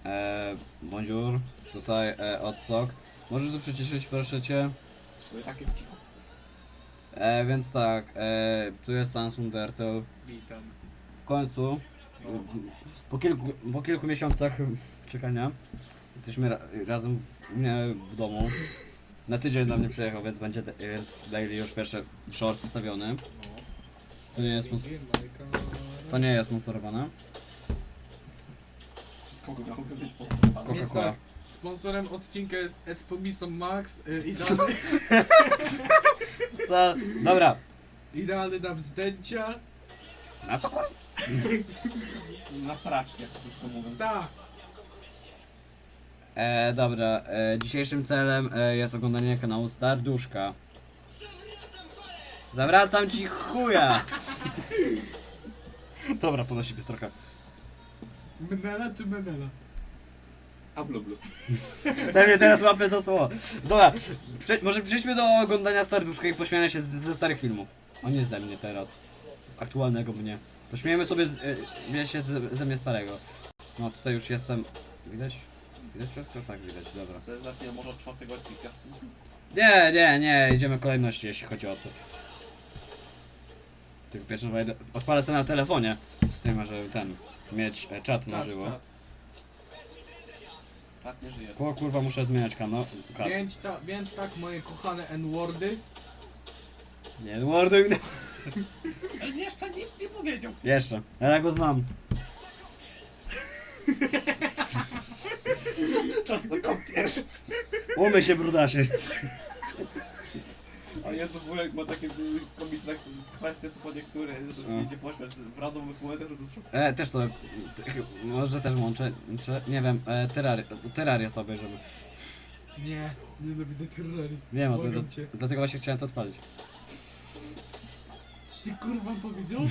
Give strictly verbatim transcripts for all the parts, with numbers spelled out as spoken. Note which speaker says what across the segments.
Speaker 1: E, bonjour, tutaj e, odsok. Możesz to przyciszyć, proszę cię?
Speaker 2: No tak jest cicho.
Speaker 1: E, więc tak, e, tu jest Samsung Turtle.
Speaker 3: Witam.
Speaker 1: W końcu,
Speaker 3: No.
Speaker 1: po kilku, po kilku miesiącach czekania, jesteśmy ra razem u mnie w domu. Na tydzień do mnie przyjechał, więc będzie, więc daily już pierwszy short wstawiony. To nie jest, spons- to nie jest sponsorowane.
Speaker 2: Przez kogo miałby być
Speaker 3: Więc
Speaker 1: Coca-Cola.
Speaker 3: tak, sponsorem odcinka jest Espomiso Max, y, idealny,
Speaker 1: Za- Dobra.
Speaker 3: idealny na wzdęcia.
Speaker 1: Na co kurwa?
Speaker 2: Na straczkę, krótko mówiąc.
Speaker 3: Tak,
Speaker 1: E, dobra, e, dzisiejszym celem e, jest oglądanie kanału Starduszka. Zawracam ci chuja! Dobra, podnosi się trochę.
Speaker 3: Menela czy Menela?
Speaker 2: A blu blu.
Speaker 1: Ten mnie teraz łapie za słowo. Dobra, prze może przejdźmy do oglądania Starduszka i pośmiania się z, ze starych filmów. O nie ze mnie teraz. Z aktualnego mnie. Pośmiejemy sobie z, e, się z, ze mnie starego. No tutaj już jestem. Widać? Widać wszystko? Tak, widać, dobra.
Speaker 2: Sobie zacznie może od czwartego odcinka.
Speaker 1: Nie, nie, nie, idziemy kolejności, jeśli chodzi o to. Tylko pierwszy wejdę, odpalę sobie na telefonie, z tym, że ten, mieć e, czat na
Speaker 3: Tak,
Speaker 1: żywo.
Speaker 3: tak.
Speaker 2: Tak nie żyje.
Speaker 1: O kurwa, muszę zmieniać kanał. Ka
Speaker 3: Więc, ta, więc tak, moje kochane N-wordy.
Speaker 1: nie, morduj mnie.
Speaker 2: Ale jeszcze nic nie powiedział.
Speaker 1: Jeszcze, ale ja go znam.
Speaker 2: Czas na kąpiel.
Speaker 1: Umyj się, brudasie.
Speaker 2: A Jezu, wujek ma takie komiczne kwestie, co po niektóre, że to
Speaker 1: No.
Speaker 2: się idzie pośmiać. W randomowych momentach, że to jest
Speaker 1: E, też to, t- może też łączę, czy, nie wiem, e, terrarię, terrarię sobie, żeby,
Speaker 3: Nie, nienawidzę terrorii.
Speaker 1: wiem o tym,
Speaker 3: Błagam
Speaker 1: do,
Speaker 3: cię.
Speaker 1: dlatego właśnie chciałem to odpalić.
Speaker 3: Ci się kurwa powiedział?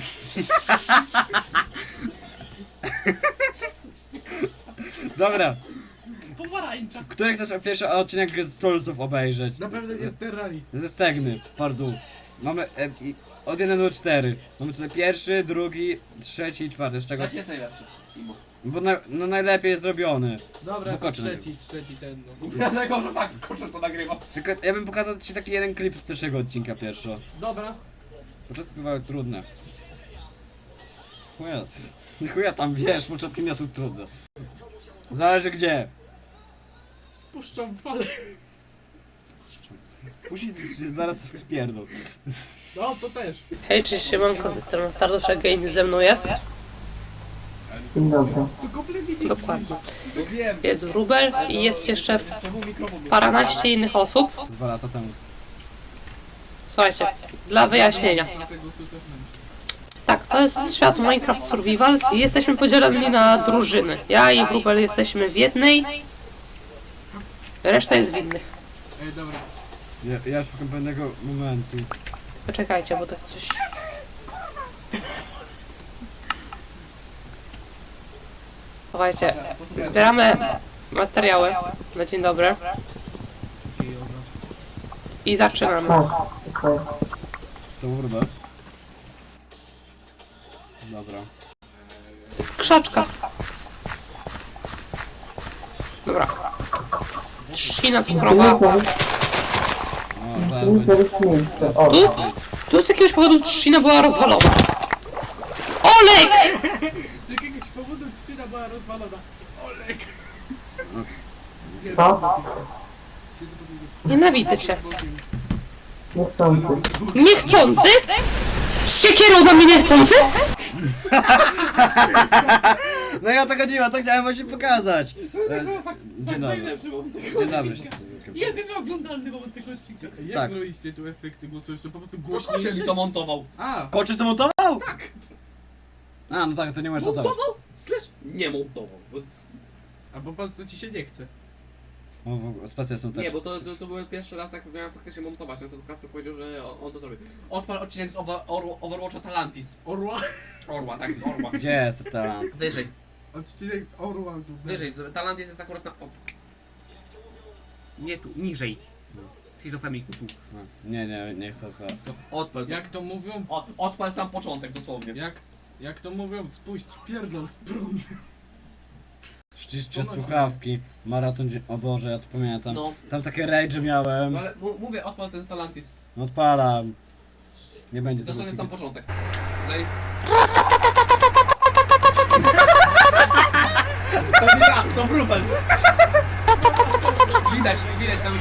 Speaker 1: Dobra,
Speaker 2: pomarańcza.
Speaker 1: który chcesz pierwszy odcinek z Trollsów obejrzeć?
Speaker 3: Na pewno nie z terrorii.
Speaker 1: Ze Stegny, fardu. Mamy e, i, od jeden do czterech. Mamy tutaj pierwszy, drugi, trzeci i czwarty. Z czego?
Speaker 2: Trzeci jest najlepszy. Imo.
Speaker 1: Bo na, no najlepiej jest zrobiony.
Speaker 3: Dobra,
Speaker 1: Bo
Speaker 3: to
Speaker 1: koczy
Speaker 3: trzeci, trzeci ten no.
Speaker 2: Dlatego, że tak, Koczer to nagrywa.
Speaker 1: Tylko ja bym pokazał ci taki jeden klip z pierwszego odcinka pierwszego.
Speaker 3: Dobra.
Speaker 1: Początki bywały trudne. Chuja, chuja tam wiesz, początki nie są trudne. Zależy gdzie.
Speaker 3: Spuszczam falę.
Speaker 1: Spuścić się zaraz w pierdol.
Speaker 3: No, to też.
Speaker 4: Hej, cześć, siemanko, ze strony Starduszek Game ze mną jest.
Speaker 5: Dzień dobry.
Speaker 3: To kompletnie nie
Speaker 4: Dokładnie.
Speaker 2: No wiem.
Speaker 4: Jest Wróbel i jest jeszcze
Speaker 2: Czemu mikrofon
Speaker 4: paranaście innych osób.
Speaker 1: Dwa lata temu.
Speaker 4: Słuchajcie, dla wyjaśnienia.
Speaker 3: Dlatego są też mężczyźni.
Speaker 4: Tak, to jest świat Minecraft Survivals i jesteśmy podzieleni na drużyny. Ja i Wróbel jesteśmy w jednej, reszta jest w innych.
Speaker 3: Ej, dobra.
Speaker 1: Ja, ja szukam pewnego momentu.
Speaker 4: Poczekajcie, bo tak coś... Słuchajcie, zbieramy materiały na dzień dobry i zaczynamy.
Speaker 5: Tak, okej.
Speaker 1: To wróbę. Dobra.
Speaker 4: Krzaczka. Dobra. Trzcina cukrowa.
Speaker 1: O, zaraz
Speaker 5: Tu
Speaker 1: będzie.
Speaker 5: jest miejsce. O,
Speaker 4: Tu, tu z jakiegoś powodu trzcina była rozwalona. Olek!
Speaker 3: Z jakiegoś powodu trzcina była rozwalona. Olek!
Speaker 5: co?
Speaker 4: Nienawidzę cię.
Speaker 5: Niechcący.
Speaker 4: Niechcący? Z siekierą na mnie niechcący?
Speaker 1: No ja o to chodziło, to chciałem właśnie pokazać. E, Dzień dobry.
Speaker 2: najlepszy moment tego
Speaker 1: Dzień dobry.
Speaker 2: odcinka. Jedyny oglądalny moment tego odcinka.
Speaker 3: Jak
Speaker 1: Tak.
Speaker 3: zrobiliście tu efekty głosu? Jeszcze po prostu
Speaker 2: Koczer mi
Speaker 3: głośniejsze?
Speaker 2: to montował.
Speaker 3: A!
Speaker 1: Koczy to montował? Tak. A, no tak, to nie możesz montować.
Speaker 2: Montował? Slash nie montował. Bo...
Speaker 3: A po prostu ci się nie chce.
Speaker 1: O, w- spacje są też.
Speaker 2: Nie, bo to, to, to był pierwszy raz, jak miałem faktycznie montować, no to Kacper powiedział, że on, on to zrobi. Odpal odcinek z over, over, Overwatcha Talantis.
Speaker 3: Orła?
Speaker 2: Orła, tak, z Orła.
Speaker 1: Gdzie jest ten talent?
Speaker 2: Wyżej,
Speaker 3: Odcinek z Orła. tu.
Speaker 2: wyżej, z- Talantis jest akurat na... O. Nie tu, niżej. Schizofreniku, tu.
Speaker 1: No, nie, nie, nie chcę to.
Speaker 2: To odpal, to.
Speaker 3: Jak to mówią?
Speaker 2: Od, odpal sam początek dosłownie.
Speaker 3: Jak, jak to mówią? Spuść w pierdol z prądem.
Speaker 1: Czyszczę słuchawki. Maraton dzie... O Boże, ja to pamiętam.
Speaker 2: No,
Speaker 1: Tam takie rage miałem.
Speaker 2: no ale m- mówię, odpal ten Stellantis.
Speaker 1: No odpalam. Nie będzie
Speaker 2: To
Speaker 1: tego
Speaker 2: jest sam
Speaker 1: odcinka.
Speaker 2: początek. No i... To nie ja, to Brubel. Widać, widać tam...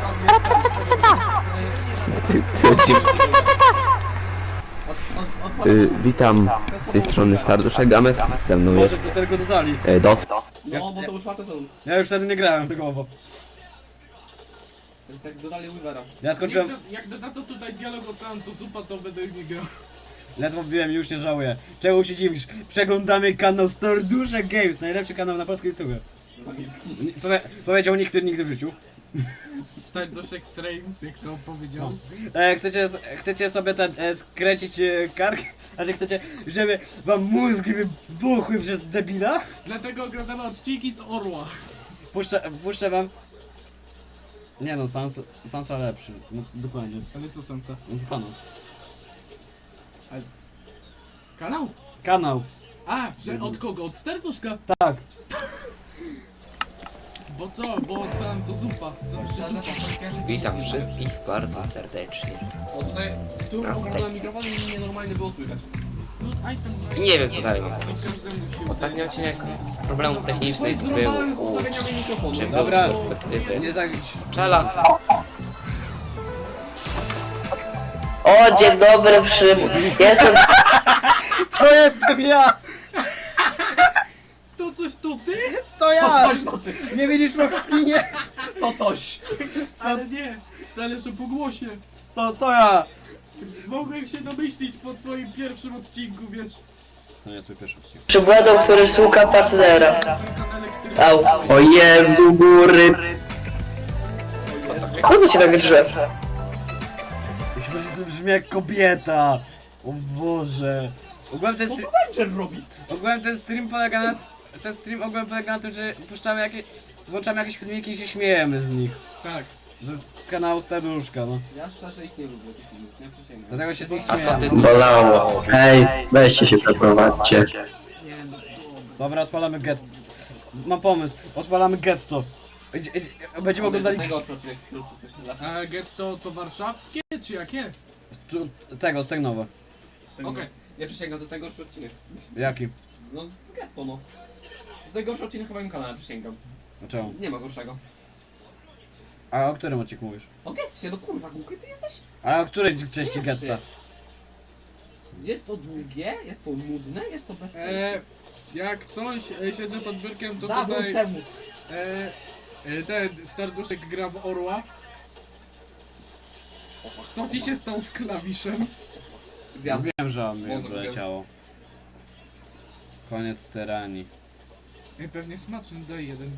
Speaker 2: Od, od,
Speaker 6: Y, witam z tej strony Starduszek Games, ze mną
Speaker 1: Może
Speaker 6: jest
Speaker 1: do tego dodali.
Speaker 6: e, Dos.
Speaker 2: No, bo to był czwarty sezon.
Speaker 1: Ja już wtedy nie grałem tygowo.
Speaker 2: To jest jak dodali Weavera.
Speaker 1: Ja skończyłem,
Speaker 3: Jak, do, jak dodadzą tutaj dialog Ocean to zupa, to będę nie grał.
Speaker 1: ledwo wbiłem i już nie żałuję. Czemu się dziwisz? Przeglądamy kanał Starduszek Games, najlepszy kanał na polskim YouTube. Powie, powiedział nikt nigdy w życiu.
Speaker 3: Starduszek Srames, jak to powiedział.
Speaker 1: E, chcecie, chcecie sobie ten, e, skręcić e, kark? Znaczy chcecie, żeby wam mózgi wybuchły przez debila?
Speaker 3: Dlatego oglądamy odcinki z Orła.
Speaker 1: Puszczę, puszczę wam... Nie no, Sansa, Sansa lepszy. No, dokładnie.
Speaker 3: Ale co sensa?
Speaker 1: No to kanał.
Speaker 3: Kanał?
Speaker 1: Kanał,
Speaker 3: A, że od kogo? Od Starduszka?
Speaker 1: tak.
Speaker 3: Bo co? Bo Ocean to zupa. Co,
Speaker 7: Witam wszystkich bardzo serdecznie.
Speaker 2: O tutaj, tu
Speaker 7: Na
Speaker 2: oglądałem mikrofon i nienormalnie było słychać.
Speaker 3: no,
Speaker 7: I nie wiem co dalej mam powiedzieć. Ostatni odcinek z problemów technicznych był
Speaker 2: Zrąbałem z
Speaker 7: u
Speaker 2: ustawieniami mikrofonu.
Speaker 7: czym
Speaker 1: Dobra.
Speaker 7: był z perspektywy
Speaker 1: Nie za...
Speaker 7: Czela.
Speaker 8: O, dzień dobry, Przym. Jestem.
Speaker 1: To jestem ja!
Speaker 3: to coś to ty?
Speaker 1: To ja!
Speaker 2: Coś no ty,
Speaker 1: Nie widzisz Proxkinie?
Speaker 2: to coś.
Speaker 3: Ale nie, zależy po głosie.
Speaker 1: To, to ja!
Speaker 3: Mogłem się domyślić po twoim pierwszym odcinku, wiesz.
Speaker 1: To nie jest mój pierwszy odcinek.
Speaker 8: Przybładą, który szuka partnera.
Speaker 3: Na tym kanale, który...
Speaker 8: Au. O Jezu, góry. Po co cię tak drze?
Speaker 1: Jeśli będzie to brzmi jak kobieta! O Boże! Ogółem ten,
Speaker 2: Co
Speaker 1: stri-
Speaker 2: to Venture robi?
Speaker 1: ogółem ten stream polega na... Ten stream ogółem polega na tym, że puszczamy jakieś... Włączamy jakieś filmiki i się śmiejemy z nich.
Speaker 3: Tak.
Speaker 1: Ze z kanału Starduszka, no.
Speaker 2: Ja szczerze ich nie lubię, tych filmów, nie przysięgam.
Speaker 1: Dlatego się z nich
Speaker 7: A co ty
Speaker 1: śmiejemy.
Speaker 6: Bolało. Hej, weźcie się przeprowadźcie.
Speaker 2: Nie, no
Speaker 1: Dobra, odpalamy getto. Mam pomysł, odpalamy getto. Idzie- idzie- Będziemy
Speaker 2: To
Speaker 1: oglądali...
Speaker 2: jest najgorszy odcinek z Plusu, to się zawsze...
Speaker 3: A getto to warszawskie, czy jakie?
Speaker 1: Tu- Tego, Stegnowe.
Speaker 2: z tego-
Speaker 3: Okej.
Speaker 2: Nie przysięgam, to jest najgorszy odcinek.
Speaker 1: Jaki?
Speaker 2: No, z getto, no. To jest najgorszy odcinek chyba na moim kanale, przysięgam.
Speaker 1: Dlaczego?
Speaker 2: Nie ma gorszego.
Speaker 1: A o którym odcinku mówisz?
Speaker 2: O getcie, no kurwa, głuchy ty jesteś?
Speaker 1: A o której części
Speaker 2: Pierwszy.
Speaker 1: getta?
Speaker 2: Jest to długie, jest to nudne, jest to bez sensu.
Speaker 3: E, jak coś, e, siedzę pod biurkiem, to
Speaker 2: Zawrót
Speaker 3: tutaj...
Speaker 2: temu.
Speaker 3: E, e, ten Starduszek gra w Orła. Co ci się stało z klawiszem?
Speaker 2: Zjadł.
Speaker 1: Wiem, że on mnie
Speaker 2: Mogę
Speaker 1: wyleciało. Koniec tyranii.
Speaker 3: E, pewnie smaczny, daj jeden.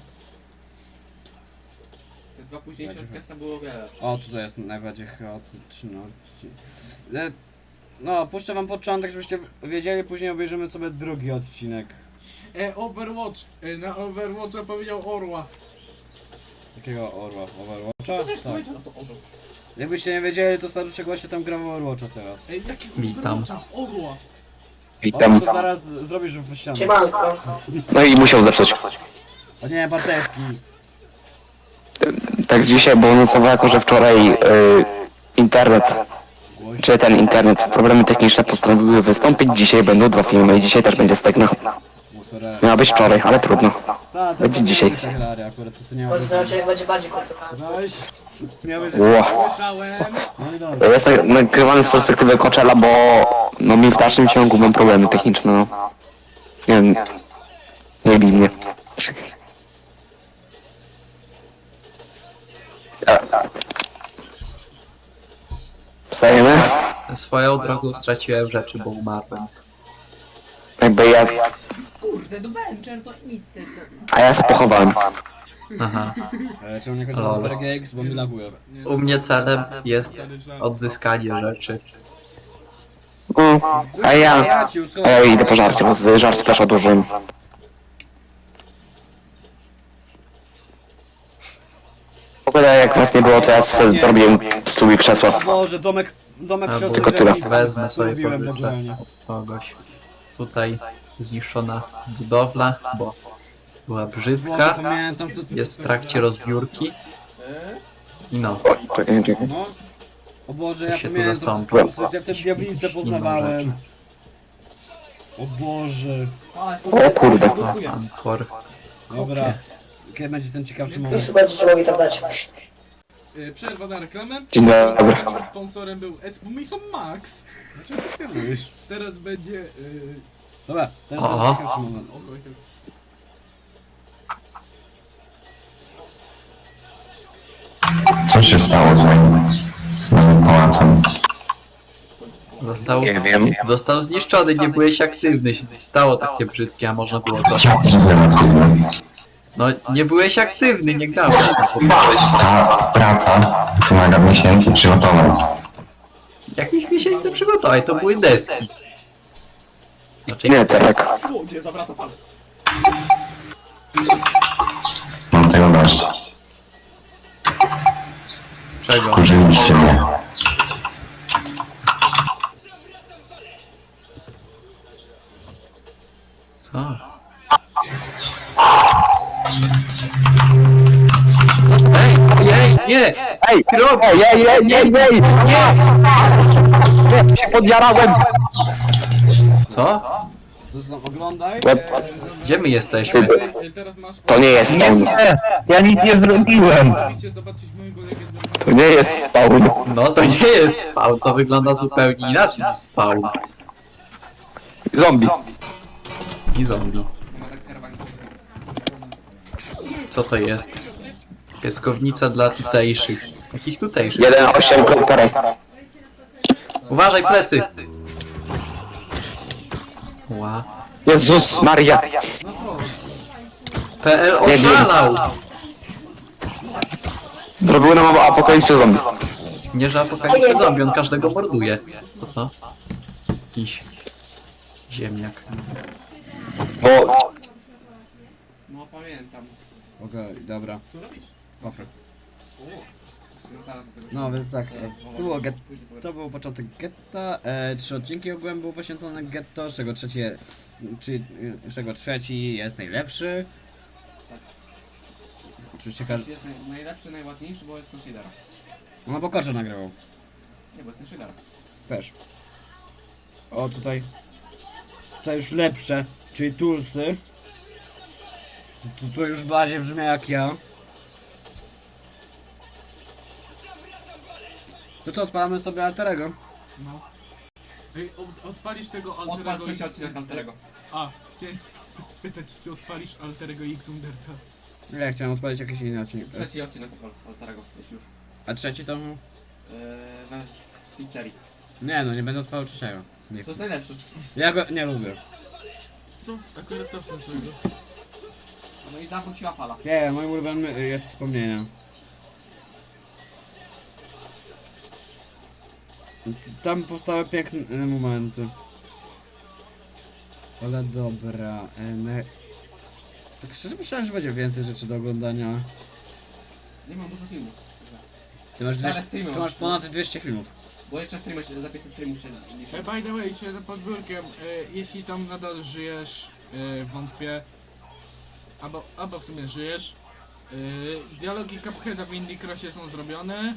Speaker 2: Te dwa późniejsze z getta było o wiele lepsze.
Speaker 1: O, tutaj jest najbardziej chaotyczny odcinek. E, No, puszczę wam początek, żebyście wiedzieli, później obejrzymy sobie drugi odcinek.
Speaker 3: E, Overwatch. E, na Overwatcha powiedział Orła.
Speaker 1: Jakiego Orła?
Speaker 2: To
Speaker 1: Overwatcha?
Speaker 2: też
Speaker 1: Tak.
Speaker 2: powiedział na to orzeł.
Speaker 1: Jakbyście nie wiedzieli, to Staruszek właśnie tam gra w Overwatcha teraz.
Speaker 3: Ej, jakiego
Speaker 6: Witam.
Speaker 3: Overwatcha w Orła?
Speaker 1: O,
Speaker 6: Witam.
Speaker 1: to zaraz zrobisz w ścianę.
Speaker 5: Siemanko.
Speaker 6: No i musiał zepsuć.
Speaker 1: O nie, Bartecki.
Speaker 6: Tak dzisiaj, bo nocowo jako, że wczoraj y, internet,
Speaker 1: Głoś.
Speaker 6: czy ten internet, problemy techniczne postanowiły wystąpić. Dzisiaj będą dwa filmy i dzisiaj też będzie Stegna.
Speaker 1: Motorę.
Speaker 6: Miała być wczoraj, ale trudno.
Speaker 1: Ta, to
Speaker 6: Będzie
Speaker 1: będzie
Speaker 6: dzisiaj.
Speaker 1: dzisiaj. Hilary, akurat to co nie ma.
Speaker 5: Może znaczy, jak będzie bardziej komplikowane.
Speaker 1: Weź. Miałeś...
Speaker 6: Ło.
Speaker 3: Słyszałem.
Speaker 1: No i dobra.
Speaker 6: Jest tak nagrywany z perspektywy Coachella, bo no mi w dalszym ciągu mam problemy techniczne, no. Nie wiem. Nie bij mnie. Wstajemy?
Speaker 9: Swoją drogą straciłem rzeczy, bo umarłem.
Speaker 6: Jakby ja...
Speaker 2: Kurde, do Venture to nic. To...
Speaker 6: A ja się pochowałem.
Speaker 9: Aha.
Speaker 1: E, czemu nie chodzi o
Speaker 9: Lol.
Speaker 1: Super Games, bo mi laguje.
Speaker 9: U mnie celem jest odzyskanie rzeczy.
Speaker 6: No, a ja...
Speaker 1: Ja ci
Speaker 6: A
Speaker 1: uschowam.
Speaker 6: ja idę po żarcie, bo z żart też odłożyłem. W ogóle jak nas nie było, to ja sobie zrobiłem stół i krzesła.
Speaker 1: O Boże, domek, domek
Speaker 9: Albo
Speaker 1: siostry
Speaker 6: tylko tyle.
Speaker 1: Granicy.
Speaker 9: Wezmę sobie
Speaker 1: Lubiłem
Speaker 9: pożyczę
Speaker 1: legalnie.
Speaker 9: od kogoś. Tutaj zniszczona budowla, bo była
Speaker 1: Boże,
Speaker 9: brzydka,
Speaker 1: pamiętam to.
Speaker 9: jest w trakcie rozbiórki i no.
Speaker 6: O, czekaj, czekaj.
Speaker 1: No. O Boże,
Speaker 9: Co
Speaker 1: ja
Speaker 9: się tu
Speaker 1: pamiętam
Speaker 9: zastąpi?
Speaker 1: po prostu, ja wtedy diablicę poznawałem. O Boże.
Speaker 6: O kurde.
Speaker 9: O, Ankor.
Speaker 1: Dobra. Kiedy będzie ten ciekawszy
Speaker 5: Już
Speaker 1: moment?
Speaker 5: będziecie mogli tam dać.
Speaker 3: Y, Przerwa na reklamę.
Speaker 6: Dzień dobry.
Speaker 3: Sponsorem był Espumison Max. Teraz będzie... y,
Speaker 1: Dobra, teraz
Speaker 9: Aha.
Speaker 1: będzie ciekawszy moment.
Speaker 3: o, oj, oj.
Speaker 10: Co się stało z moim, z moim pałacem?
Speaker 9: Został,
Speaker 6: Nie wiem.
Speaker 9: został zniszczony, nie byłeś aktywny. się Stało takie brzydkie, a można było to.
Speaker 10: Ja nie byłem aktywny.
Speaker 9: No nie byłeś aktywny, nie grałeś.
Speaker 10: Ta praca wymaga miesięcy przygotowań.
Speaker 9: Jakich miesięcy przygotowań? To były deski. Znaczy,
Speaker 6: Nie, Terek.
Speaker 2: O, nie, zawraca falę.
Speaker 10: Mam tego dość.
Speaker 9: czego?
Speaker 10: Wkurzyliście mnie.
Speaker 9: Co? Ej, ej, nie!
Speaker 6: Ej,
Speaker 9: Ty robisz!
Speaker 6: ej, ej, ej, ej, ej! Nie! Się podjarałem!
Speaker 9: Co?
Speaker 1: To są, oglądaj.
Speaker 9: Gdzie my jesteśmy?
Speaker 3: Y, Teraz masz...
Speaker 6: To nie jest spawn. Ja nic nie zrobiłem.
Speaker 3: Oczywiście zobaczyć mojego legendarnego...
Speaker 6: To nie jest spawn.
Speaker 9: No to nie jest spawn, to wygląda zupełnie inaczej niż spawn.
Speaker 6: Zombie.
Speaker 9: I zombie.
Speaker 2: Ma tak karawan.
Speaker 9: Co to jest? Pieskownica dla tutejszych. Jakich tutejszych?
Speaker 6: jeden osiem Terek.
Speaker 9: Uważaj, plecy! Ła.
Speaker 6: Jezus Maria.
Speaker 9: P L oszalał!
Speaker 6: Zrobiły nam apokalipsę zombie.
Speaker 9: Nie, że apokalipsy zombie, on każdego morduje. Co to? Jakiś... ziemniak.
Speaker 6: Bo
Speaker 2: No pamiętam.
Speaker 1: Okej, dobra.
Speaker 3: Co robisz?
Speaker 1: Kofry.
Speaker 2: Zaraz do tego.
Speaker 1: No więc tak,
Speaker 2: E,
Speaker 1: e, to było get, to był początek getta, e, trzy odcinki ogółem były poświęcone getto, z czego trzeci, je- czy, z czego trzeci jest najlepszy. Oczywiście każdy,
Speaker 2: Jest naj, najlepszy, najładniejszy, bo jest ten shadera.
Speaker 1: no bo Korze nagrywał,
Speaker 2: Nie, bo jest ten shadera.
Speaker 1: też. O tutaj, tutaj już lepsze, czyli Tulsy. To, to już bardziej brzmi jak ja. To co, odpalamy sobie Alterego?
Speaker 3: No. Ej, od, odpalisz tego
Speaker 2: Odpal
Speaker 3: Alterego
Speaker 2: trzeci
Speaker 3: X...
Speaker 2: odcinek Alterego.
Speaker 3: A, chciałem sp spytać, czy odpalisz Alterego X Underta.
Speaker 1: Ja chciałem odpalić jakiś inny odcinek.
Speaker 2: Trzeci odcinek odpal Alterego, jeśli już.
Speaker 1: A trzeci to...
Speaker 2: Eee, we pizzerii.
Speaker 1: Nie no, nie będę odpalał trzeciego. Nie.
Speaker 2: To jest najlepszy.
Speaker 1: Ja go nie lubię.
Speaker 3: Co? Akurat co w tym swojego?
Speaker 2: No i zawróciła fala.
Speaker 1: Nie, moim ulubionym jest wspomnienie. Tam powstały piękne momenty. Ale dobra. e, Ne... Tak szczerze myślałem, że będzie więcej rzeczy do oglądania.
Speaker 2: Nie mam dużo filmów.
Speaker 1: Ty masz,
Speaker 2: Ale
Speaker 1: dwieście,
Speaker 2: streamy
Speaker 1: ty
Speaker 2: mam.
Speaker 1: masz ponad dwieście filmów.
Speaker 2: Bo jeszcze streamy się, zapisy streamów się liczą.
Speaker 3: E, by the way, się pod biurkiem, e, jeśli tam nadal żyjesz, e, wątpię, albo, albo w sumie żyjesz, e, dialogi Cupheada w Indie Crossie są zrobione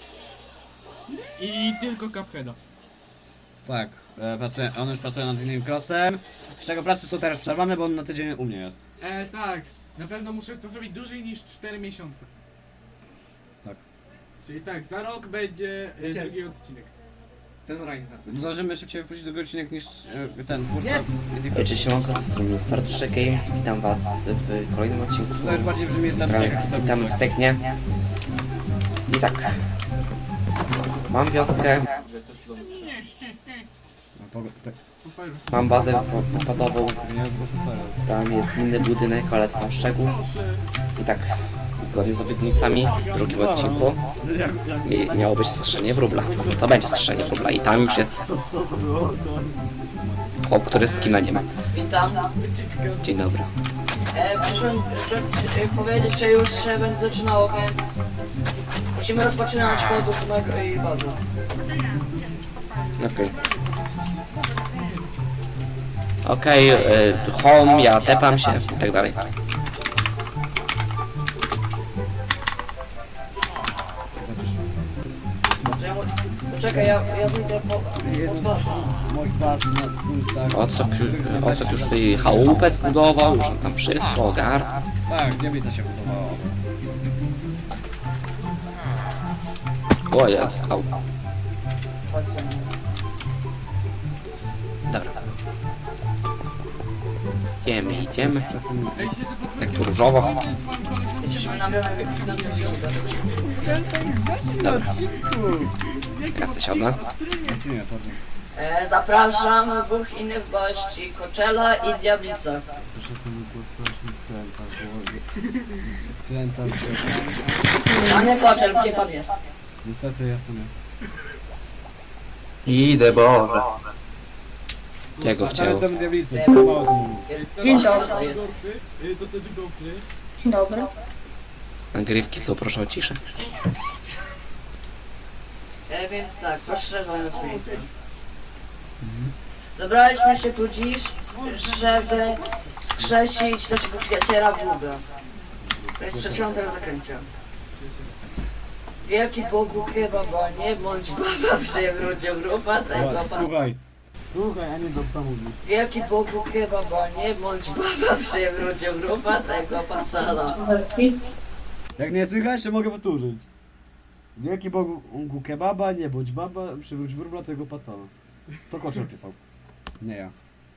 Speaker 3: i tylko Cupheada.
Speaker 1: Tak, e, pracuję, on już pracuje nad innym crossem. Z czego prace są teraz przerwane, bo on na tydzień u mnie jest.
Speaker 3: E, tak, na pewno muszę to zrobić dłużej niż cztery miesiące.
Speaker 1: Tak.
Speaker 3: Czyli tak, za rok będzie e, drugi odcinek.
Speaker 2: Ten Reinhardt.
Speaker 1: Zdążymy szybciej wypuścić drugi odcinek niż e, ten twórca.
Speaker 11: Cześć, siemanko, ze strony Startusze Games, witam was w kolejnym odcinku.
Speaker 1: To już bardziej brzmi
Speaker 11: Witam,
Speaker 1: statystyk.
Speaker 11: witam w Steknie. I tak, mam wioskę, mam bazę po- popadową, tam jest inny budynek, ale to tam szczegół. I tak, zgodnie z obietnicami w drugim odcinku mi- miało być skrzeszenie wróbla. To będzie skrzeszenie wróbla i tam już jest chłop, który skina nie ma.
Speaker 5: Witam.
Speaker 11: Dzień dobry.
Speaker 5: E, przyszłem, przyszłem e, powiedzieć, że już się będzie zaczynało, więc musimy rozpoczynać podróż mojej bazy.
Speaker 11: Okej. Okej, y, home, ja tepam się i tak dalej.
Speaker 5: Czekaj, ja, ja wyjdę po, po bazę.
Speaker 1: Moich baz na pulsach.
Speaker 11: O co, o co już tutaj chałupę zbudował, już on tam wszystko ogarnia.
Speaker 1: Tak, diablica się budowała.
Speaker 11: O jest, au. Dobra. Idziemy, idziemy.
Speaker 3: Ej, siedzę pod
Speaker 11: Jak
Speaker 3: blokiem.
Speaker 11: tu różowo.
Speaker 3: Twoim koleżankiem.
Speaker 5: Jesteśmy na miarę na
Speaker 11: Dobra. Ja se siądę.
Speaker 1: Streamie, pardon.
Speaker 5: e, Zapraszam dwóch innych gości, Koczela i Diablica.
Speaker 1: Proszę, to mi było strasznie skręca, bo... Skręcam się.
Speaker 5: A nie Koczel, gdzie pan jest?
Speaker 1: Niestety jestem ja.
Speaker 9: Idę, Boże.
Speaker 11: Gdzie go
Speaker 1: Ale
Speaker 11: wcięło?
Speaker 1: tam diablicy, mało to mówię.
Speaker 5: Dzień dobry. To jest.
Speaker 3: Gofry, y, to znaczy gofry.
Speaker 5: Dzień dobry.
Speaker 11: Nagrywki są, proszę o ciszę.
Speaker 5: E, więc tak, proszę zająć miejsce. Zebraliśmy się tu dziś, żeby skrzesić naszego przyjaciela Buga. Więc przeczytam tego zakręcia. Wielki Bogu kebaba, nie bądź baba, przewrócił grupa tego pas.
Speaker 1: Słuchaj. Słuchaj, a nie do co mówisz.
Speaker 5: Wielki Bogu kebaba, nie bądź baba, przewrócił grupa tego pasala.
Speaker 1: Jak nie słychać, to mogę powtórzyć. Wielki Bogu kebaba, nie bądź baba, przywróć wróbla tego pacana. To Koczel pisał. Nie ja.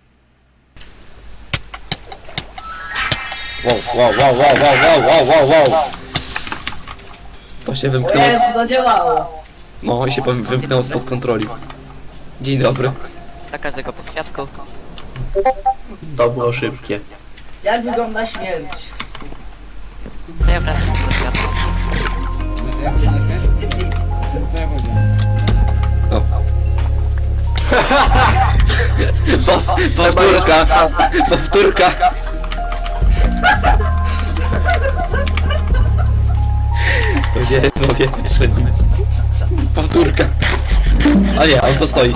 Speaker 11: Wow, wow, wow, wow, wow, wow, wow, wow, wow. To się
Speaker 5: O
Speaker 11: wymknęło,
Speaker 5: Jezu,
Speaker 11: z...
Speaker 5: zadziałało.
Speaker 11: no i się powiem, wymknęło spod kontroli. Dzień dobry.
Speaker 7: Dla każdego po kwiatku.
Speaker 9: To było szybkie.
Speaker 5: Jak wygląda śmierć?
Speaker 7: To ja wracam do kwiatku.
Speaker 1: Jak to nie Co ja powiedziałem?
Speaker 11: O. Pow, powtórka, powtórka. O nie, mogę wytrzeć. Powtórka. A nie, on to stoi.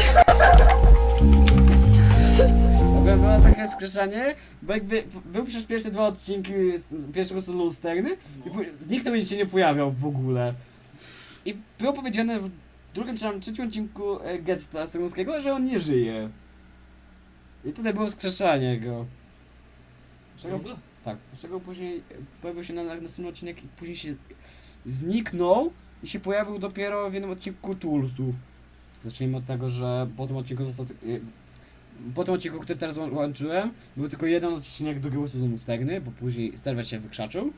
Speaker 1: Ogólnie było takie skrzeszanie, bo jakby był przez pierwsze dwa odcinki z pierwszego sezonu Sterny i później zniknął i się nie pojawiał w ogóle. I było powiedziane w drugim czy tam trzecim odcinku e, Getta Sterunskiego, że on nie żyje. I tutaj było wskrzeszanie go. Czego, tak, z czego później pojawił się na, na następny odcinek i później się zniknął i się pojawił dopiero w jednym odcinku Toolsów. Zacznijmy od tego, że po tym odcinku został... Po tym odcinku, który teraz łą- łączyłem, był tylko jeden odcinek drugiego sezonu Stegny, bo później serwer się wykrzaczył.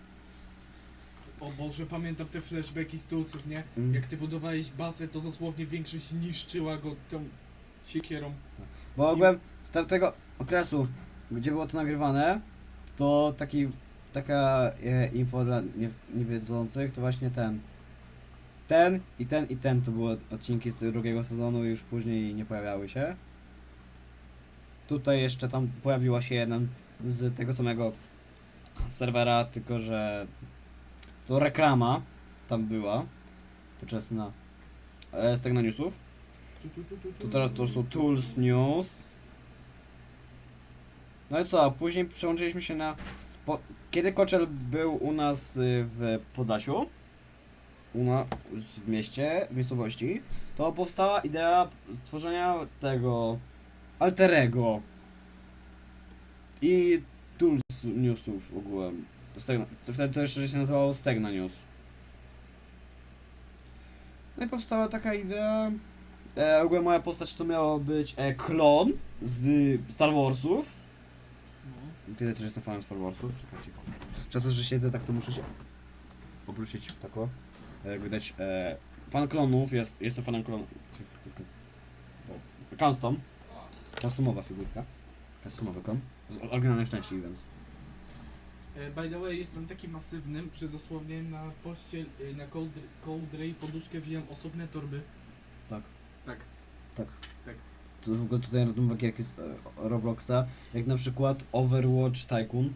Speaker 3: O Boże, pamiętam te flashbacki z Tulsów, nie?
Speaker 1: Mm.
Speaker 3: Jak ty budowałeś bazę, to dosłownie większość niszczyła go tą siekierą.
Speaker 1: Bo ogółem z tamtego okresu, gdzie było to nagrywane, to taki, taka e, info dla nie, niewiedzących, to właśnie ten. Ten i ten i ten to były odcinki z tego drugiego sezonu i już później nie pojawiały się. Tutaj jeszcze tam pojawiła się jeden z tego samego serwera, tylko że to reklama tam była podczas na e, z tego newsów. To teraz to są Tools News. No i co, a później przełączyliśmy się na... Po, kiedy Koczel był u nas y, w Podlasiu, u na, w mieście, w miejscowości, to powstała idea stworzenia tego Alterego i Tools Newsów ogółem. Stegna, wtedy to jeszcze się nazywało Stegna News. No i powstała taka idea. E, ogólnie moja postać to miała być e, klon z Star Warsów. Widać, że jestem fanem Star Warsów. Czekajcie. Przez to, że siedzę tak, to muszę się obrócić tak o. Jak widać, e, fan klonów, jest, jestem fanem klonów. Custom. Customowa figurka. Customowy klon. Z oryginalnych części, więc.
Speaker 3: E, By the way, jestem taki masywnym, że dosłownie na pościel, y, na kołdrę, kołdrę i poduszkę wziąłem osobne torby.
Speaker 1: Tak.
Speaker 3: Tak.
Speaker 1: Tak.
Speaker 3: Tak.
Speaker 1: To w ogóle tutaj robią gierki z e, Robloxa, jak na przykład Overwatch Tycoon.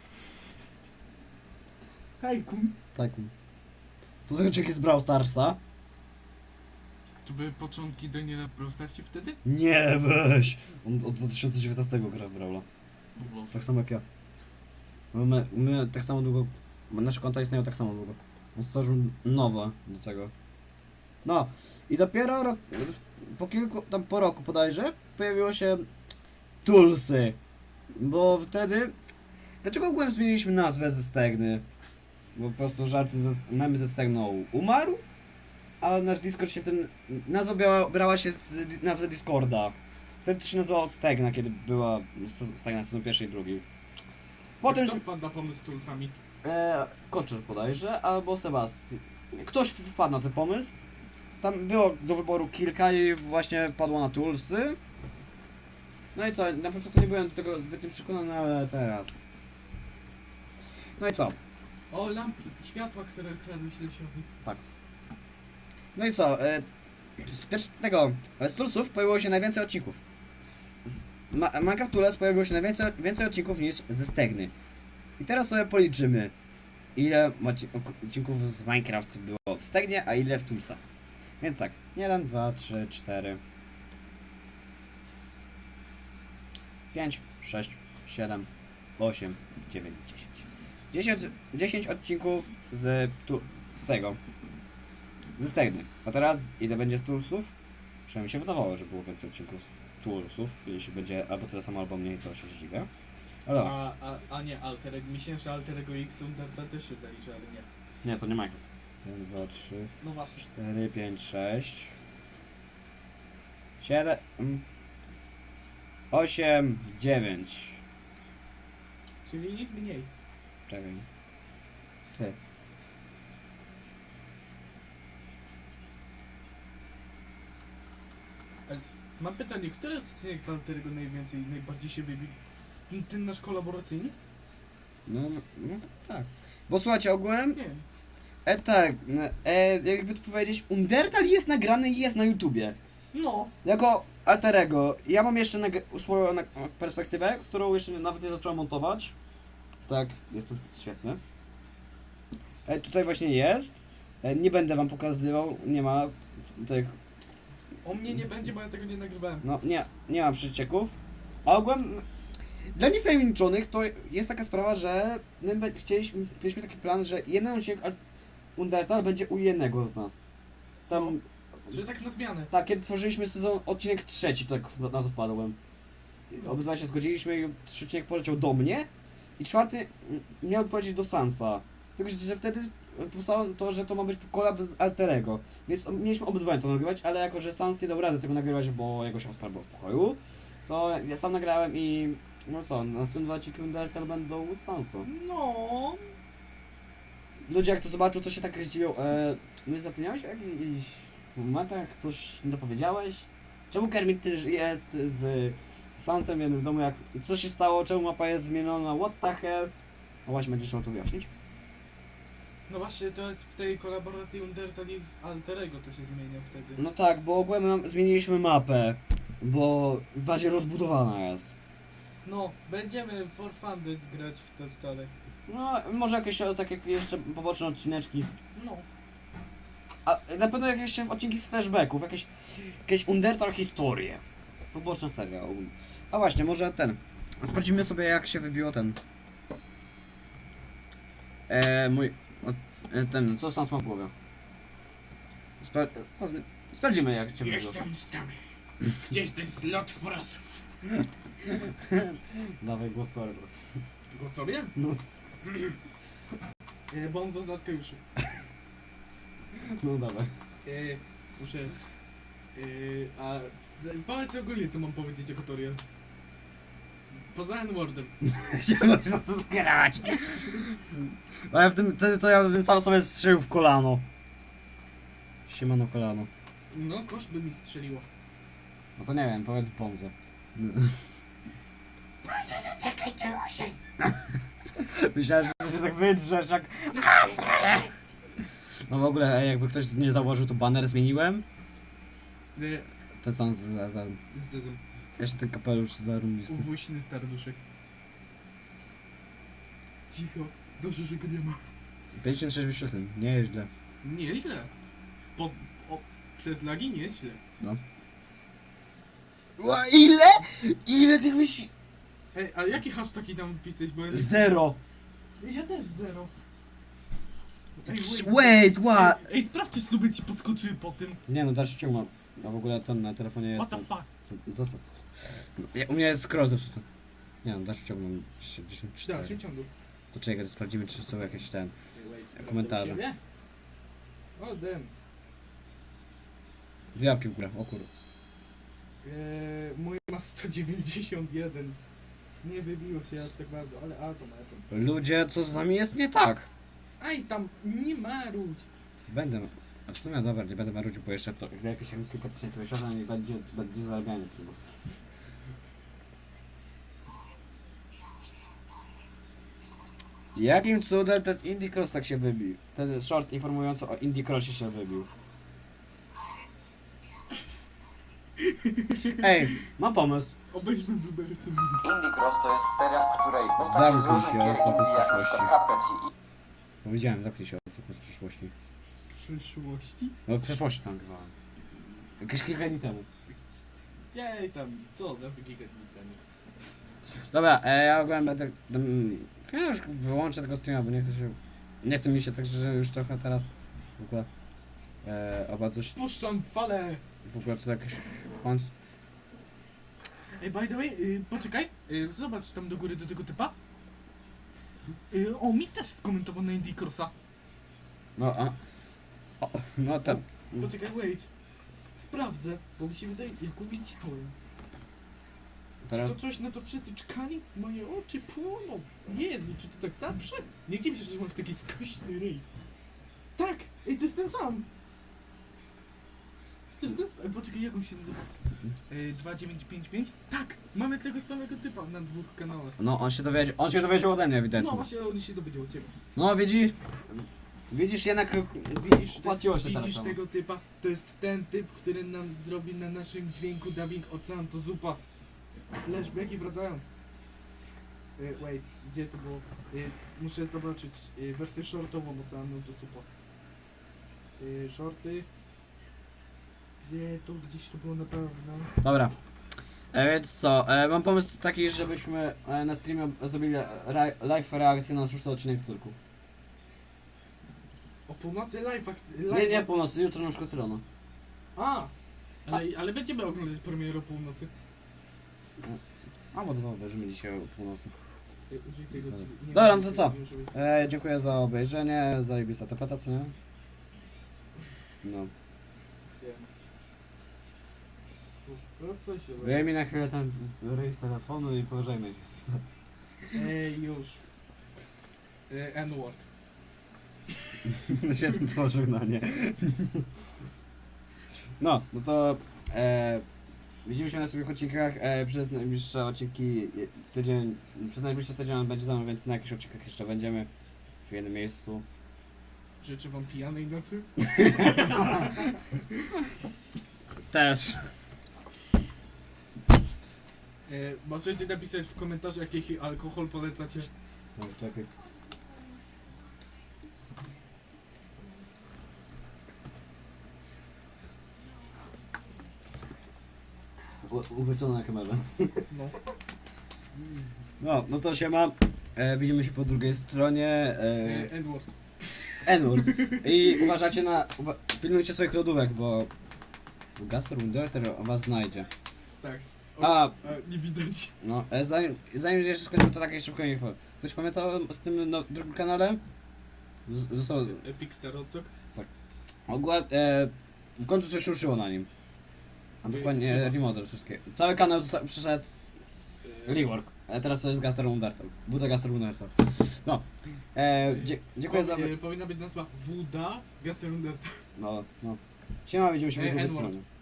Speaker 3: Tajkun.
Speaker 1: Tycoon. To są odcinki z Brawl Starsa.
Speaker 3: To były początki Daniela Prostarcie wtedy?
Speaker 1: Nie, weź! On od dwa tysiące dziewiętnastego gra w Brawla. Tak samo jak ja. My, my tak samo długo... Nasze konta istnieją tak samo długo. On stworzył nowe do tego. No i dopiero rok, po kilku, tam po roku bodajże, pojawiło się Tulsy. Bo wtedy... Dlaczego ogółem zmieniliśmy nazwę ze Stegny? Bo po prostu żarty ze, memy ze Stegną umarł, a nasz Discord się w tym... Nazwa brała, brała się z di- nazwy Discorda. Wtedy to się nazywało Stegna, kiedy była se- Stegna sezon pierwszy i drugi. Potem...
Speaker 3: Kto wpadł na pomysł z tulsami?
Speaker 1: E, Koczer bodajże, albo Sebastian. Ktoś wpadł na ten pomysł. Tam było do wyboru kilka i właśnie padło na Tulsy. No i co, na początku nie byłem do tego zbytnio przekonany, ale teraz... No i co?
Speaker 3: O, lampy, światła, które kradłeś Lesiowi.
Speaker 1: No i co? E, z pierwszego z Tulsów pojawiło się najwięcej odcinków. Z Ma Minecraft Tools pojawiło się najwięcej więcej odcinków niż ze Stegny. I teraz sobie policzymy, ile odci- odcinków z Minecraft było w Stegnie, a ile w Toolsach. Więc tak, jeden, dwa, trzy, cztery, pięć, sześć, siedem, osiem, dziewięć, dziesięć. dziesięć, dziesięć odcinków z tu, tego, ze Stegny. A teraz ile będzie z Toolsów? Przynajmniej mi się wydawało, że było więcej odcinków z Toolsów. Jeśli będzie albo tyle samo, albo mniej, to się zdziwię. Ale dobra.
Speaker 3: A, a, a nie Alterego, myślałem, że Alterego X Undertale też się zaliczy, ale nie.
Speaker 1: Nie, to nie Minecraft. jeden, dwa, trzy,
Speaker 3: No właśnie.
Speaker 1: cztery, pięć, sześć, siedem, osiem, dziewięć.
Speaker 3: Czyli mniej.
Speaker 1: Czekaj. Ty.
Speaker 3: Mam pytanie, który odcinek z Alterego najwięcej, najbardziej się wybił? Ten- Ten nasz kolaboracyjny?
Speaker 1: No, no, no tak. Bo słuchajcie, ogółem,
Speaker 3: Nie wiem.
Speaker 1: e tak, e, jakby to powiedzieć, Undertale jest nagrany i jest na YouTubie.
Speaker 3: No.
Speaker 1: Jako alterego. Ja mam jeszcze nag- swoją na- perspektywę, którą jeszcze nawet nie zacząłem montować. Tak, jest to świetne. E, tutaj właśnie jest. E, nie będę wam pokazywał, nie ma tych,
Speaker 3: O mnie nie będzie, bo ja tego nie nagrywałem.
Speaker 1: no nie, nie ma przecieków. A ogółem, dla niewtajemniczonych to jest taka sprawa, że my be- chcieliśmy, mieliśmy taki plan, że jeden odcinek Al- Undertale będzie u jednego z nas. Tam,
Speaker 3: Że tak na zmianę.
Speaker 1: tak, kiedy tworzyliśmy sezon, odcinek trzeci, tak w- na to wpadłem. Obydwa się zgodziliśmy i trzeci odcinek poleciał do mnie i czwarty mm, miał polecieć do Sansa. Tylko, że, że wtedy powstało to, że to ma być kolab z Alterego. Więc mieliśmy obydwa to nagrywać, ale jako, że Sans nie dał rady tego nagrywać, bo jego siostra była w pokoju, to ja sam nagrałem i no co, następne dwa odcinki Undertale będą u Sansa.
Speaker 3: No.
Speaker 1: Ludzie jak to zobaczą, to się tak zdziwią. E, nie zapomniałeś o jakichś momentach, coś nie dopowiedziałeś? Czemu Kermit też jest z Sansem w jednym domu, jak co się stało, czemu mapa jest zmieniona, what the hell? No właśnie, będziesz trzeba to wyjaśnić.
Speaker 3: No właśnie, to jest w tej kolaboracji Undertale X Alterego to się zmienia wtedy.
Speaker 1: No tak, bo ogólnie nam zmieniliśmy mapę, bo bardziej rozbudowana jest.
Speaker 3: No, będziemy for funded grać w te stare.
Speaker 1: No, może jakieś o, takie jeszcze poboczne odcineczki.
Speaker 3: No.
Speaker 1: A na pewno jakieś odcinki z flashbacków, jakieś, jakieś Undertale historie. Poboczna seria. ogólnie. A właśnie, może ten. Sprawdzimy sobie jak się wybiło ten. Eee, mój. o, e, ten, co sam ma w głowie. Spra co, z- sprawdzimy jak się wybiło.
Speaker 3: stary. Gdzie jest ten slot frasów?
Speaker 1: Dawaj głos Tory.
Speaker 3: Go sobie?
Speaker 1: No.
Speaker 3: E, Bonzo zatka już.
Speaker 1: No dawaj.
Speaker 3: E, muszę... E, a... z- Powiedz ogólnie co mam powiedzieć jako Toriel. Poza N-wordem.
Speaker 1: Chciałem się zgrać. A ja w tym, wtedy to ja bym sam sobie strzelił w kolano. Siemano kolano.
Speaker 3: No, kość by mi strzeliło.
Speaker 1: No to nie wiem, powiedz Bonzo. Myślałem, że się tak wydrzesz jak... No w ogóle, jakby ktoś nie zauważył, to banner zmieniłem.
Speaker 3: E,
Speaker 1: To co z, z, z,
Speaker 3: z Dezem.
Speaker 1: jeszcze ten kapelusz zarąbisty.
Speaker 3: Uwójny starduszek. Cicho. Dobrze, że go nie ma.
Speaker 1: pięćdziesiąt sześć wyświetleń, nie jest źle.
Speaker 3: Nie źle. Po, o, przez lagi nie jest źle.
Speaker 1: Ła, ile? Ile tych wyś...
Speaker 3: Ej, a jaki hashtag tam wpisać, bo ja nie...
Speaker 1: Zero.
Speaker 3: Ja też zero. Ej,
Speaker 1: Wait, what?
Speaker 3: Ej, sprawdźcie, suby ci podskoczyły po tym.
Speaker 1: Nie no, dalszy ciąg mam. A w ogóle ten na telefonie jest.
Speaker 3: What the fuck?
Speaker 1: Zostaw. Ja, u mnie jest scroll zepsuty. Nie no, dalszy ciąg mam sześćdziesiąt
Speaker 3: W
Speaker 1: cztery.
Speaker 3: dalszym ciągu.
Speaker 1: To czekaj, to sprawdzimy, czy są jakieś ten.
Speaker 3: Wait, sprawdzę
Speaker 1: Komentarze.
Speaker 3: u siebie. O, damn.
Speaker 1: Dwie łapki w górę, o kur...
Speaker 3: Eee, mój ma sto dziewięćdziesiąt jeden. Nie wybiło się aż tak bardzo, ale a to na to.
Speaker 1: Ludzie, co z wami jest nie tak?
Speaker 3: Aj, tam nie marudź.
Speaker 1: Będę... A w sumie dobra, nie będę marudził, bo jeszcze to, gdy jakieś kilka tysięcy wyświetleń i będzie, będzie zarabianie z filmów. Jakim cudem ten Indie Cross tak się wybił? Ten short informujący o Indie Crossie się wybił. Ej, mam pomysł.
Speaker 3: Obejrzmy Blueberry.
Speaker 12: Indie Cross to jest seria, w której postacie z
Speaker 1: Zamknij
Speaker 12: różnych
Speaker 1: się,
Speaker 12: gier
Speaker 1: osoby z
Speaker 12: indie, jak na
Speaker 1: przyszłości.
Speaker 12: przykład Cuphead i
Speaker 1: Powiedziałem, zapnij się od co z przyszłości.
Speaker 3: Z przyszłości?
Speaker 1: No w przeszłości tam grywałem. Jakieś kilka dni temu.
Speaker 3: Jej tam, co, na giga dni temu.
Speaker 1: Dobra, e, ja ogólnie będę... mm, Ja już wyłączę tego streama, bo nie chcę się... Nie chce mi się tak, że już trochę teraz... W ogóle... E, oba coś...
Speaker 3: Spuszczam falę!
Speaker 1: W ogóle to jakiś... Pan...
Speaker 3: Ej, by the way, y, poczekaj, y, zobacz tam do góry do tego typa. Y, o, mi też skomentował na Indie Crossa.
Speaker 1: No, a... O, no tam...
Speaker 3: Poczekaj, wait. Sprawdzę, bo mi się wydaje, jak go widziałem.
Speaker 1: Teraz...
Speaker 3: Czy to coś na to wszyscy czekali? Moje oczy płoną. Jezu, czy to tak zawsze? Nie dziwię się, że masz taki skośny ryj. Tak! Ej, to jest ten sam! To jest ten sam. Poczekaj, jak on się nazywa? Y, dwa dziewięć pięć pięć? Tak! Mamy tego samego typa na dwóch kanałach.
Speaker 1: No, on się dowiedział... On się dowiedział ode mnie, ewidentnie.
Speaker 3: No właśnie, on się dowiedział o ciebie.
Speaker 1: No, widzisz? Widzisz, jednak...
Speaker 3: Widzisz,
Speaker 1: Płaciło się
Speaker 3: widzisz
Speaker 1: teraz.
Speaker 3: tego typa? To jest ten typ, który nam zrobi na naszym dźwięku dubbing Ocean to zupa. Flashbacki wracają. Y, wait, gdzie to było? Y, muszę zobaczyć y, wersję shortową Oceanu to zupa. Y, shorty. Gdzie to? Gdzieś to było na pewno.
Speaker 1: Dobra. E, więc co, e, mam pomysł taki, żebyśmy e, na streamie zrobili re live reakcję na szósty odcinek cyrku.
Speaker 3: O północy live akcji.
Speaker 1: Nie, nie północy, jutro na przykład rano.
Speaker 3: A! Ale, ale będziemy oglądać premierę o północy.
Speaker 1: A, bo dwa obejrzymy dzisiaj o północy.
Speaker 3: Y, użyj tego
Speaker 1: Dobra.
Speaker 3: ci- nie
Speaker 1: Dobra,
Speaker 3: wiem,
Speaker 1: no to
Speaker 3: czy-
Speaker 1: co?
Speaker 3: nie użyj.
Speaker 1: E, dziękuję za obejrzenie, zajebista tapeta, co nie? No.
Speaker 3: Wiem. Współpraca się
Speaker 1: Wyjmij na chwilę ten rejs telefonu i pożegnaj się.
Speaker 3: Ej, już. Y, N-word.
Speaker 1: Świetne pożegnanie. No, no to e, widzimy się na następnych odcinkach. E, przez najbliższe odcinki e, tydzień, przez najbliższy tydzień on będzie za mną, więc na jakichś odcinkach jeszcze będziemy w jednym miejscu.
Speaker 3: Życzę wam pijanej nocy.
Speaker 1: Też.
Speaker 3: E, możecie napisać w komentarzach, jaki alkohol polecacie.
Speaker 1: No, czekaj. U- Uchwycone na kamerze.
Speaker 3: No.
Speaker 1: No, no to się ma. E, widzimy się po drugiej stronie.
Speaker 3: E,
Speaker 1: E,
Speaker 3: Edward.
Speaker 1: N-word. I uważacie na... Uwa pilnujcie swoich lodówek, bo... Gastor Wunderter was znajdzie.
Speaker 3: Tak.
Speaker 1: A,
Speaker 3: A, nie widać.
Speaker 1: no, e, zanim, zanim jeszcze skończymy, to takie szybko info. Ktoś pamięta z tym no, drugim kanale? Z- Został...
Speaker 3: Epic Star Odsok.
Speaker 1: Ogólnie, e, w końcu coś ruszyło na nim. A dokładnie remodel wszystkie. Cały kanał zosta- przeszedł rework. A teraz to jest Gastor Wunderter. Buda Gastor Wunderter. No. E, dzie dziękuję za...
Speaker 3: E, powinna być nazwa Wuda Gasterunderta.
Speaker 1: No, no. Siema, widzimy się po
Speaker 3: E,
Speaker 1: drugiej
Speaker 3: N-word.
Speaker 1: stronie.